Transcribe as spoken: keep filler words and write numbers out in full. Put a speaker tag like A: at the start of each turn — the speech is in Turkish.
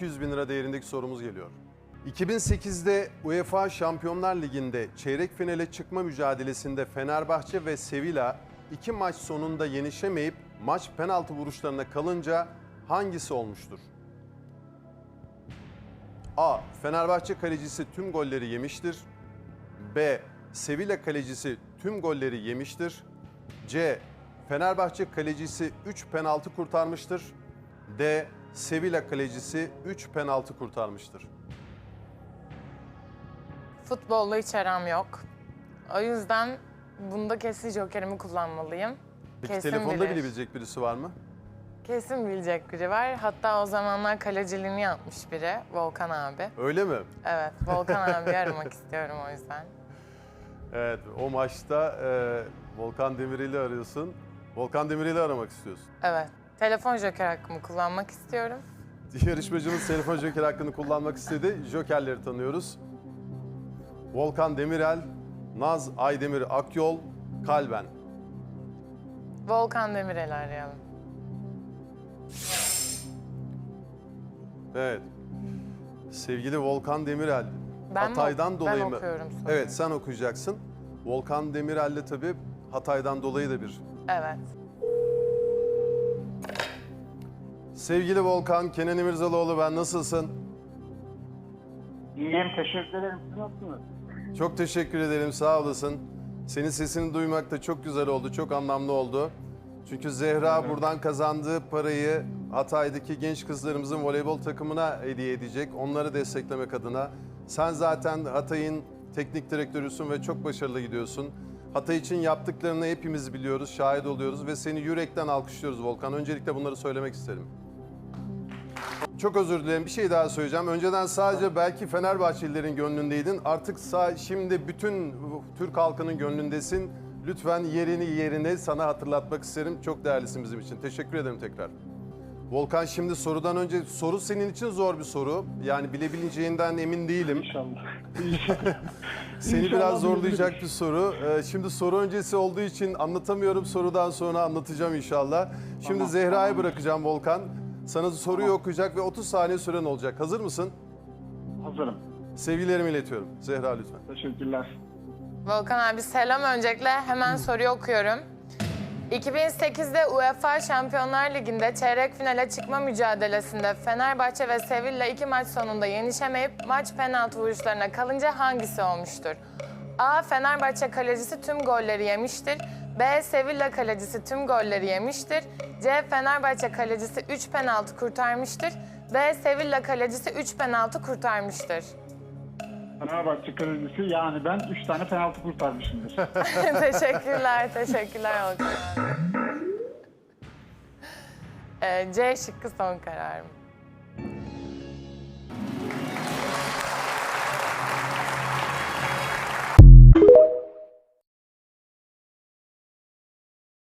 A: iki yüz bin lira değerindeki sorumuz geliyor. iki bin sekizde UEFA Şampiyonlar Ligi'nde çeyrek finale çıkma mücadelesinde Fenerbahçe ve Sevilla iki maç sonunda yenişemeyip maç penaltı vuruşlarına kalınca hangisi olmuştur? A. Fenerbahçe kalecisi tüm golleri yemiştir. B. Sevilla kalecisi tüm golleri yemiştir. C. Fenerbahçe kalecisi üç penaltı kurtarmıştır. D. Sevilla kalecisi üç penaltı kurtarmıştır.
B: Futbolla hiç aram yok. O yüzden bunda kesin jokerimi kullanmalıyım.
A: Peki
B: Kesin
A: telefonda
B: bilir.
A: bilebilecek birisi var mı?
B: Kesin bilecek biri var. Hatta o zamanlar kaleciliğini yapmış biri. Volkan abi.
A: Öyle mi?
B: Evet, Volkan abi aramak istiyorum o yüzden.
A: Evet, o maçta e, Volkan Demirel'i arıyorsun. Volkan Demirel'i aramak istiyorsun.
B: Evet, telefon joker hakkımı kullanmak istiyorum.
A: Yarışmacımız telefon joker hakkını kullanmak istedi. Jokerleri tanıyoruz. Volkan Demirel, Naz Aydemir Akyol, Kalben.
B: Volkan Demirel'i arayalım.
A: Evet. Sevgili Volkan Demirel,
B: Ben mi-
A: Hatay'dan
B: ben
A: dolayı mı?
B: okuyorum sonra.
A: Evet, sen okuyacaksın. Volkan Demirel'le tabii Hatay'dan dolayı da bir.
B: Evet.
A: Sevgili Volkan, Kenan İmirzalıoğlu ben, nasılsın?
C: İyiyim, teşekkür ederim. Siz nasılsınız?
A: Çok teşekkür ederim, sağ olasın. Senin sesini duymak da çok güzel oldu, çok anlamlı oldu. Çünkü Zehra buradan kazandığı parayı Hatay'daki genç kızlarımızın voleybol takımına hediye edecek. Onları desteklemek adına. Sen zaten Hatay'ın teknik direktörüsün ve çok başarılı gidiyorsun. Hatay için yaptıklarını hepimiz biliyoruz, şahit oluyoruz ve seni yürekten alkışlıyoruz Volkan. Öncelikle bunları söylemek isterim. Çok özür dilerim. Bir şey daha söyleyeceğim. Önceden sadece belki Fenerbahçelilerin gönlündeydin. Artık sağ, şimdi bütün Türk halkının gönlündesin. Lütfen yerini yerine sana hatırlatmak isterim. Çok değerlisin bizim için. Teşekkür ederim tekrar. Volkan, şimdi sorudan önce, soru senin için zor bir soru. Yani bilebileceğinden emin değilim.
C: İnşallah.
A: Seni
C: İnşallah
A: biraz zorlayacak
C: bilebilirim.
A: bir soru. Ee, Şimdi soru öncesi olduğu için anlatamıyorum. Sorudan sonra anlatacağım inşallah. Şimdi
C: Tamam,
A: Zehra'yı
C: tamam.
A: bırakacağım Volkan. Sana soruyu okuyacak ve otuz saniye süren olacak. Hazır mısın?
C: Hazırım.
A: Sevgilerimi iletiyorum. Zehra lütfen.
C: Teşekkürler.
B: Volkan abi selam öncelikle. Hemen soruyu okuyorum. iki bin sekizde UEFA Şampiyonlar Ligi'nde çeyrek finale çıkma mücadelesinde Fenerbahçe ve Sevilla iki maç sonunda yenişemeyip maç penaltı vuruşlarına kalınca hangisi olmuştur? A. Fenerbahçe kalecisi tüm golleri yemiştir. B. Sevilla kalecisi tüm golleri yemiştir. C. Fenerbahçe kalecisi üç penaltı kurtarmıştır. D. Sevilla kalecisi üç penaltı kurtarmıştır.
C: Fenerbahçe kalecisi yani ben üç tane penaltı kurtarmışımdır.
B: Teşekkürler, teşekkürler Volkan abi. Ee, C şıkkı son kararım.